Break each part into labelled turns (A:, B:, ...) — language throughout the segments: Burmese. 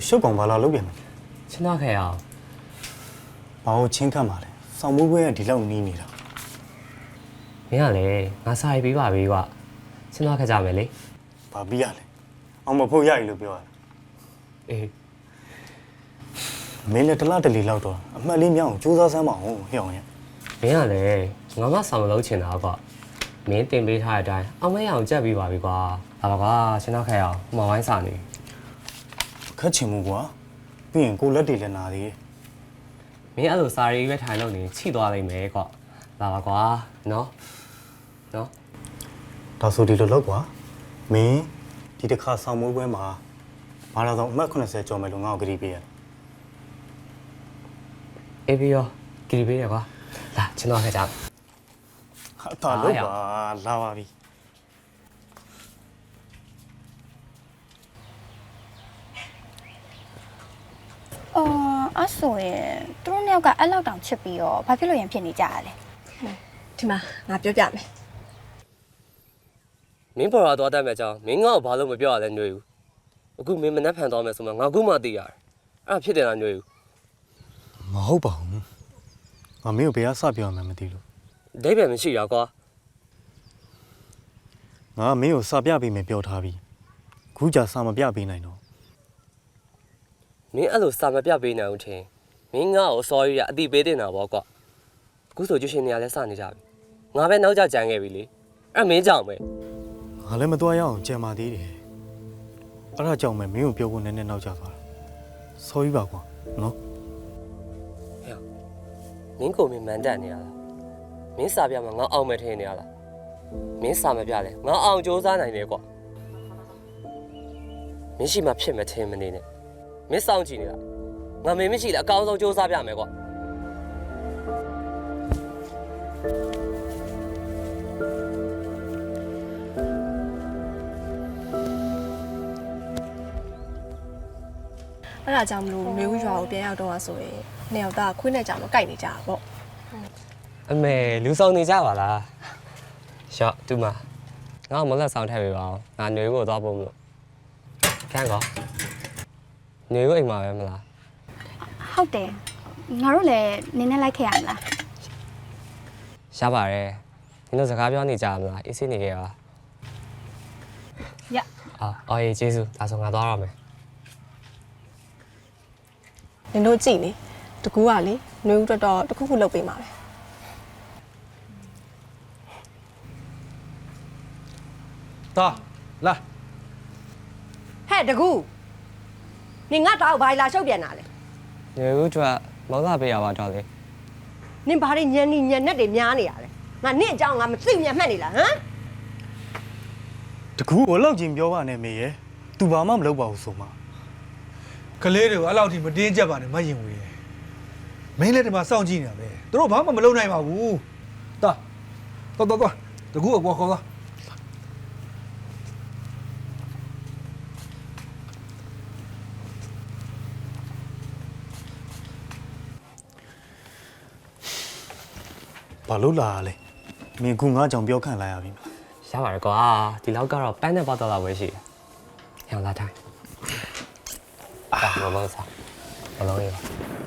A: ရှုပ်ကောင်ဘာလာလုပ်ပြန်လဲ
B: ချင်းတော့ခဲ့အောင်
A: ဘာလို့ချင်းခတ်မှာလဲစောင်းမိုးပွဲကဒီလောက်နီးနေတာ
B: မင်းကလေငါစာရေးပေးပါပြီကွာချင်းတော့ခဲ့ကြမယ်လေ
A: ဘာပြီးရလဲအောင်မဖို့ရရလို့ပြောရတာ
B: အေး
A: မင်းလည်းတလားတလီလောက်တော့အမှတ်လေးမြောက်အောင်စူးစမ်းစမ်းမအောင်ဟဲ့အောင်ရဲ့
B: မင်းကလေငါမဆောင်မလုပ်ချင်တာကွာမင်းတင်ပေးထားတဲ့အတိုင်းအောင်မရအောင်ကြက်ပေးပါပြီကွာဟာပါကွာချင်းတော့ခဲ့အောင်ဟိုမှာဝိုင်းစာနေ
A: ခက်ချင်မှုကွာပြီးရင်ကိုလက်တွေလည်းနာသေးတယ်
B: မင်းအဲ့လိုစာရေးပဲထိုင်လို့နေချိသွားလိမ့်မယ်ကွာလာပါကွာနော်
A: ဒါဆိုဒီလိုလောက်ကွာမင်းဒီတစ်ခါစောင်းမိုးပွဲမှာမာလာဆောင်အမှတ်80ကျော်မယ်လို့ငါ့ကိုကြည့်ပေးရတယ်
B: အေးပြီးရောကြည့်ပေးရကွာလာချင်းတော့ခဲ့ကြမယ်
A: ဟာတာလို့ပါလာပါပြီ
C: အဲ့ဆိုရင်သူတို့နှစ်ယောက်ကအဲ့လောက်တောင်ချစ်ပြီးတော့ဘာဖြစ်လို့ရင်ဖြစ်နေကြရလဲ
D: ဒီမှာငါပြောပြမယ်
B: မင်းပေါ်လာသွားတတ်မဲ့ကြောင်းမင်းငါ့ကိုဘာလို့မပြောရလဲຫນွေဦးအခုမင်းမနှက်ဖန်သွားမယ်ဆိုမှငါခုမှသိရတယ်အဲ့ဒါဖြစ်တယ်လားຫນွေဦး
A: မဟုတ်ပါဘူးငါမင်းကိုဘယ်ကစပြောမှန်းမသိလို့
B: ဒိဗယ်မရှိတာကွာ
A: ငါမင်းကိုစာပြပေးမယ်ပြောထားပြီခုကြာစာမပြပေးနိုင်တော့
B: မင်းအဲ့လိုစာမပြပေးနိုင်ဘူးထင်မင်းငါ့ကို sorry ရအတိပေးတင်တာပေါ့ကွာအခုဆိုကျရှင်နေရလဲစနေကြပြီငါပဲနောက်ကျကြံခဲ့ပြီလေအဲ့မင်းကြောင့်ပဲ
A: ငါလည်းမသွားရအောင်ကြံပါသေးတယ်အဲ့ဒါကြောင့်ပဲမင်းကိုပြောဖို့နည်းနည်းနောက်ကျသွားတာ sorry ပါကွာနော်
B: မင်းကိုမင်းမန်တက်နေရလားမင်းစာပြမှာငါအောင်မယ်ထင်နေရလားမင်းစာမပြလဲငါအောင်စူးစမ်းနိုင်တယ်ကွာမင်းရှိမှဖြစ်မထင်မနေနဲ့မင်းစောင့်ကြည့်နေလားငါမင်းမရှိလဲအကောင်းဆုံးစူးစမ်းပြမယ်ကွာ
D: အဲ့ဒါကြောင့်မလို့မေဦးရွာကိုပြန်ရောက်တော့ဆိုရင်နှစ်ယောက်သားခွေးနဲ့ကြောင်တော့ကြိုက်နေကြတာပေါ့
B: အမေလူဆောင်နေကြပါလားရှော့တူမငါ့မလက်ဆောင်ထည့်ပေးပါအောင်ငါຫນွေကိုသွားဖို့မလို့ခန်းကောຫນွေကိုအိမ်မှာပဲမလား
C: ဟုတ်တယ်ငါတို့လည်းနင်းနဲ့လိုက်ခဲ့ရမလား
B: ရပါတယ်နင်တို့စကားပြောနေကြမလားအေးစိနေကြပါ
C: ရ
B: အော်ရေးကျေးဇူးဒါဆိုငါသွားရမယ်
D: နင်တို့ကြည့်လေတကူကလေနှွေဦးတော်တော်တစ်ခုခုလုပ်ပေးမှာပဲ
E: တာလာ
F: ဟဲ့တကူနင်ငါတောက်ဘာလာရှုပ်ပြန်တာလဲ
B: ຫນွေဦးကျွတ်မောင်လာပေးရပါတော့လေ
F: နင်ဘာတွေညံနေညံနဲ့တွေများနေရလဲငါနင့်အကြောင်းငါမသိမြတ်မှတ်နေလားဟမ်
A: တကူဘလောက်ချင်းပြောပါနဲ့မေရဲ့ तू ဘာမှမလုပ်ပါဘူးဆိုမှ
E: ကလေးတွေကိုအဲ့လောက်ထိမတင်းကြပ်ပါနဲ့မယင်ဝေးမင်းလည်းဒီမှာစောင့်ကြည့်နေတာပဲသူတို့ဘာမှမလုပ်နိုင်ပါဘူးတာတော့တကူအပေါ်ခေါ်သွား
A: ဘာလို့လာရလဲမင်းကူငါကြောင့်ပြောခံလိုက်ရပြီမလား
B: ရပါတယ်ကွာဒီလောက်ကတော့ပန်းနဲ့ပတ်သက်တော့ပဲရှိတယ်ဟောလာတိုင်းမလုံးစားမလုံးရပါ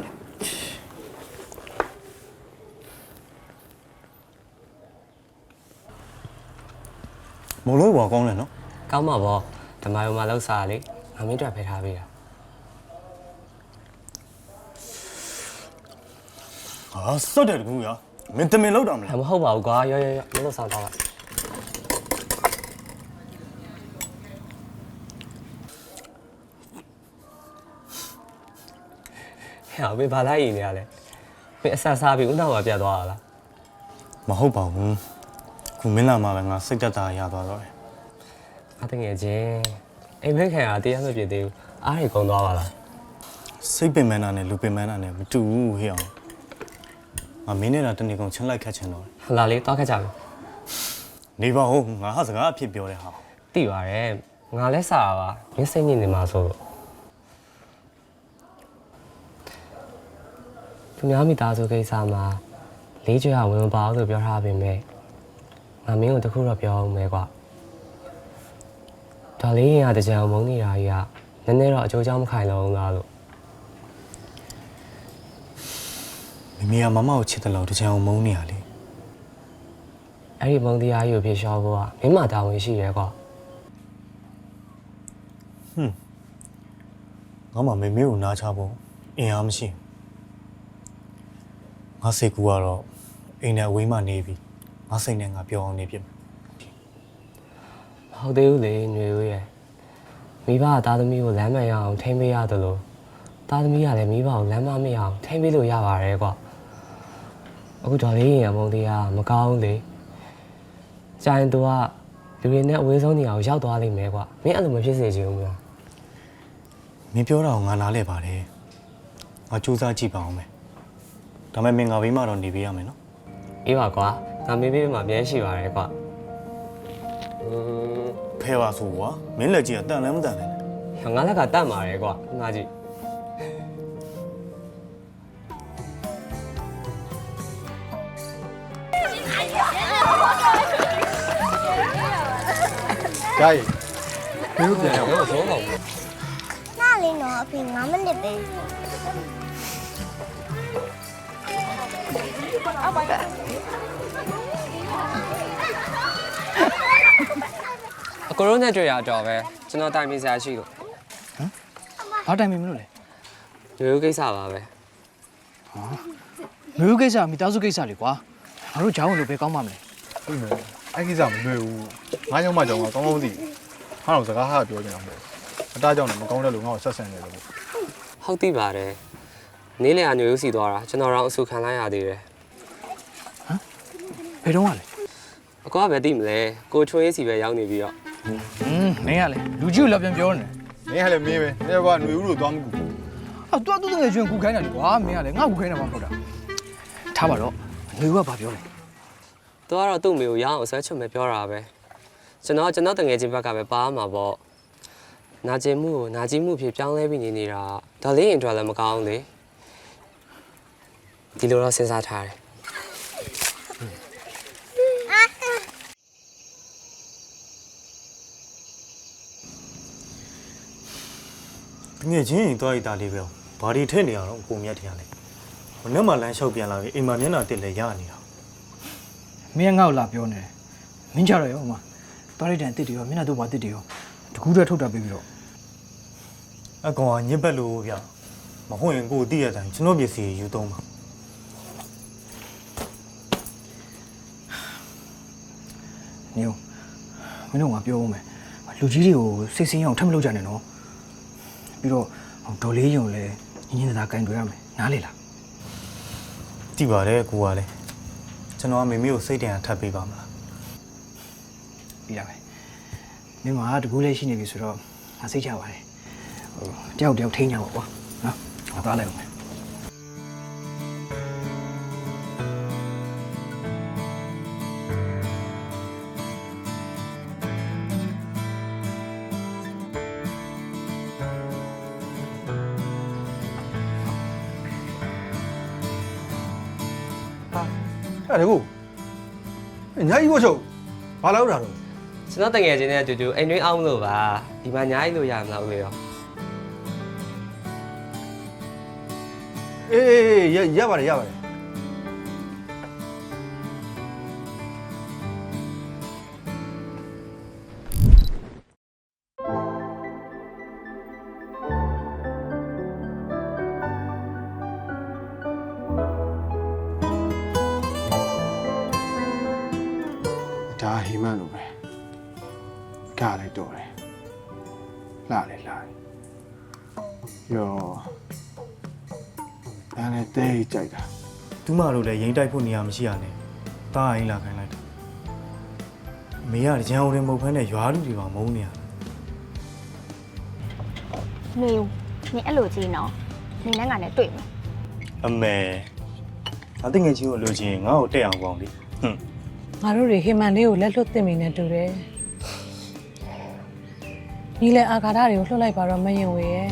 A: မလို့ဘာကောင်းလဲနော်
B: ကောင်းမှာပေါ့ဓမ္မယုံမှာလောက်စားလေငါမင်းတို့ဖယ်ထားပေးတာ
A: ဟာစော့တယ်တကူရမင်းတမင်လောက်တာမလား
B: မဟုတ်ပါဘူးကွာရောမလို့စားတော့လိုက်ဟဲ့ဘေးဘာလိုက်ရင်နေရလဲဘေးအဆစားပြီးဦးနောက်မှာပြတ်သွားတာလား
A: မဟုတ်ပါဘူးခုမင်းလာမှာပဲငါစိတ်သက်သာရသွားတော့တယ်
B: အတငယ်ချင်းအိမ်မက်ခံရတရားမပြည့်သေးဘူးအားရကုန်သွားပါလား
A: စိတ်ပင်ပန်းတာနဲ့လူပင်ပန်းတာနဲ့မတူဘူးဟဲ့အောင်ငါမင်းနဲ့တာတနေ့ကုန်ချင်းလိုက်ခတ်ချင်တော့တယ်
B: လာလေးတောက်ခတ်ကြမယ်
A: နေပါဦးငါဟာစကားအဖြစ်ပြောတဲ့ဟာ
B: သိပါတယ်ငါလဲစားတာပါမင်းစိတ်ညစ်နေမှာဆိုလို့သူများမိသားစုကိစ္စမှာလေးကျွေးအောင်ဝင်ပါအောင်လို့ပြောထားပေမဲ့ငါမင်းကိုတခုတော့ပြောအောင်မယ်ကွာဒါလေးရင်ကတကြံမုန်းနေတာကြီးကနည်းနည်းတော့အကျိုးကြောင့်မခိုင်လုံးလားလို့
A: မမေကမမကိုချစ်တယ်လို့တချင်အောင်မုန်းနေရလေ
B: အဲ့ဒီမုံတရားကြီးကိုပြေရှော့ဖို့ကမင်းမတာဝန်ရှိရဲကွာ
A: ငါမှမမေကိုနားချဖို့အင်အားမရှိငါစိတ်ကူကတော့အိမ်နဲ့အဝေးမှနေပြီငါစိတ်နဲ့ငါပြောအောင်နေဖြစ်
B: ဟုတ်သေးဘူးလေຫນွေဦးရဲ့မိဘကသားသမီးကိုလမ်းမှန်ရအောင်ထိမ့်ပေးရတယ်လို့သားသမီးကလည်းမိဘကိုလမ်းမမရအောင်ထိမ့်ပေးလို့ရပါတယ်ကွာအခုတော်လေးရင်မုံတရားမကောင်းလေကျရင်သူကလူတွေနဲ့အဝေးဆုံးနေအောင်ရောက်သွားလိမ့်မယ်ကွာမင်းအဲ့လိုမဖြစ်စေချင်ဘူးလား
A: မင်းပြောတာကိုငါနားလဲပါတယ်ငါစူးစမ်းကြည့်ပါအောင်မယ်ဒါပေမဲ့မင်းငါဘေးမှာတော့နေပေးရမယ်နော်
B: အေးပါကွာငါမေးပေးမှာပြန်ရှိပါတယ်ကွာ
A: ဖဲပါဆိုကွာမင်းလက်ကြီးကတန်လည်းမတန်လည်း
B: ငါလက်ကတတ်ပါတယ်ကွာငါကြည့်
E: 家爷没有变
B: 没有说好
G: 那里呢？比我们那边。
B: အကိုရိုနဲ့တွေ့ရတော့ပဲကျွန်တော်တိုင်မိစားရှိလို့
H: ဘာတိုင်မင်းမလို့လဲ
B: လူကိစ္စပါပဲ
H: မျိုးကိစ္စမိသားစုကိစ္စလေကွာငါတို့ကြောင်းလို့ပဲကောင်းပါမလဲ
I: ဟုတ်မယ်အဲ့ကိစ္စမလွယ်ဘူးငါကြောင့်မကြောင့်ကကောင်းကောင်းသိငါတော့စကားဟာပြောနေတာမဟုတ်အတားကြောင့်လည်းမကောင်းတဲ့လူငါ့ကိုဆက်ဆံနေတယ်လို့
B: ဟုတ်သိပါတယ်နေ့လည်အညိုစီသွားတာကျွန်တော်တော့အဆူခံလိုက်ရသေးတယ်
H: ဘယ်တော့မှလဲ
B: အကောကပဲသိမလဲကိုချွေးရေးစီပဲရောက်နေပြီးတော့
H: မင်းကလေလူကြီးကိုလည်းပြန်ပြောနေ
I: မင်းကလည်းမင်းပဲအဲ့ကွာຫນွေဦးလို့သွားမကူ
H: အော်တွားတူးငယ်ကျွန်းကူခိုင်းတာလေကွာမင်းကလေငါ့ကူခိုင်းတာမှမဟုတ်တာထားပါတော့ငွေကဘာပြောလဲ
B: သူကတော့သူ့မိကိုရအောင်ဆွဲချွတ်မယ်ပြောတာပဲကျွန်တော်တငယ်ချင်းဘက်ကပဲပါမှာပေါ့နာကျင်မှုကိုနာကျင်မှုဖြစ်ပြောင်းလဲပြီးနေနေတာဒါလေးရင်တော့လည်းမကောင်းလေဒီလိုတော့စဉ်းစားထားတယ်
A: ငယ်ချင်းရင်သွားရတာလေးပဲဘာဒီထည့်နေရတော့အကုန်မြတ်ထရလဲမနေ့မှလမ်းလျှောက်ပြန်လာပြီအိမ်မှာမျက်နှာတက်လဲရနေတာ
H: မင်းကငါ့ကိုလာပြောနေတယ်မင်းကြတော့ရောဟိုမှာသွားလိုက်တဲ့အစ်စ်တွေရောမျက်နှာတို့ပါအစ်စ်တွေရောတကူးတည်းထုတ်တာပြီးတော့
A: အကောင်ကညစ်ပတ်လို့ဗျမဟုတ်ရင်ကိုသိရတိုင်းကျွန်တော်ပစ္စည်းယူသုံးပါ
H: နေဦးမင်းတို့ငါပြောဦးမယ်လူကြီးတွေကိုစိတ်ဆင်းအောင်ထပ်မလုပ်ကြနဲ့နော်ပြီးတော့ဒေါ်လေးယုံလည်းညင်ညင်သာသာကင်တွေ့ရမယ်နားလေလား
A: သိပါတယ်ကိုကလည်းကျွန်တော်ကမေမေကိုစိတ်တန်ထပ်ပေးပါမလား
H: ပြီးတာပဲမင်းကတကူးလေးရှိနေပြီဆိုတော့ငါစိတ်ချပါတယ်တယောက်တယောက်ထိန်းကြပါကွာနော်ငါသွားလိုက်အောင်မယ်
E: အဲ့ဒါကိုညာကြီးဘောချုပ်ဘာလောက်တာတော့
B: ကျွန်တော်တငယ်ချင်းနဲ့အတူတူအိမ်တွင်းအောင်လို့ပါဒီမှာညားကြီးလို့ရမလားဦးလေးရော
E: အေးရပါတယ်
I: ဒါဟိမန်လိုပဲကလည်းတော်တယ်လာလေယောဒါနဲ့တဲကြိုက်တာ
A: သူမတို့လည်းရင်တိုက်ဖို့နေရာမရှိရနဲ့တားအိမ်လာခိုင်းလိုက်တာမေကရန်အောင်တွေမဟုတ်ဖ ೇನೆ ရွာလူတွေပါမုန်းနေရ
C: နေဦးနေအဲ့လိုကြီးနော်နေနဲ့ငါနဲ့တွေ့မယ်
A: အမေအသိငယ်ချင်းကိုလိုချင်ငါ့ကိုတက်အောင်ပေါင်းလေဟွန်း
J: ငါတို့တွေဟိမန်လေးကိုလက်လွတ်တင်မိနေတူတယ်ညီလည်းအာဃာတတွေကိုလွှတ်လိုက်ပါတော့မယင်ဝေရဲ့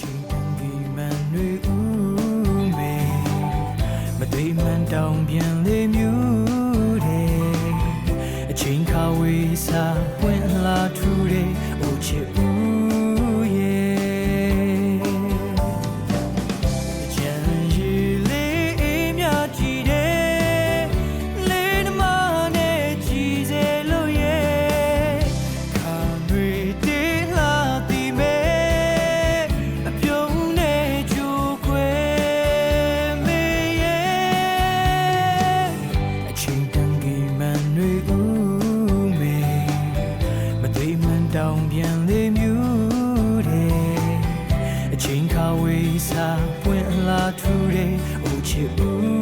K: မသိမှန်တောင်ပြန်လေမြူတဲ့အချိန်ခါဝေးစားဝင်လာထူတဲ့အိုချစ်ဦးရဲ့ဖြစ်ဦး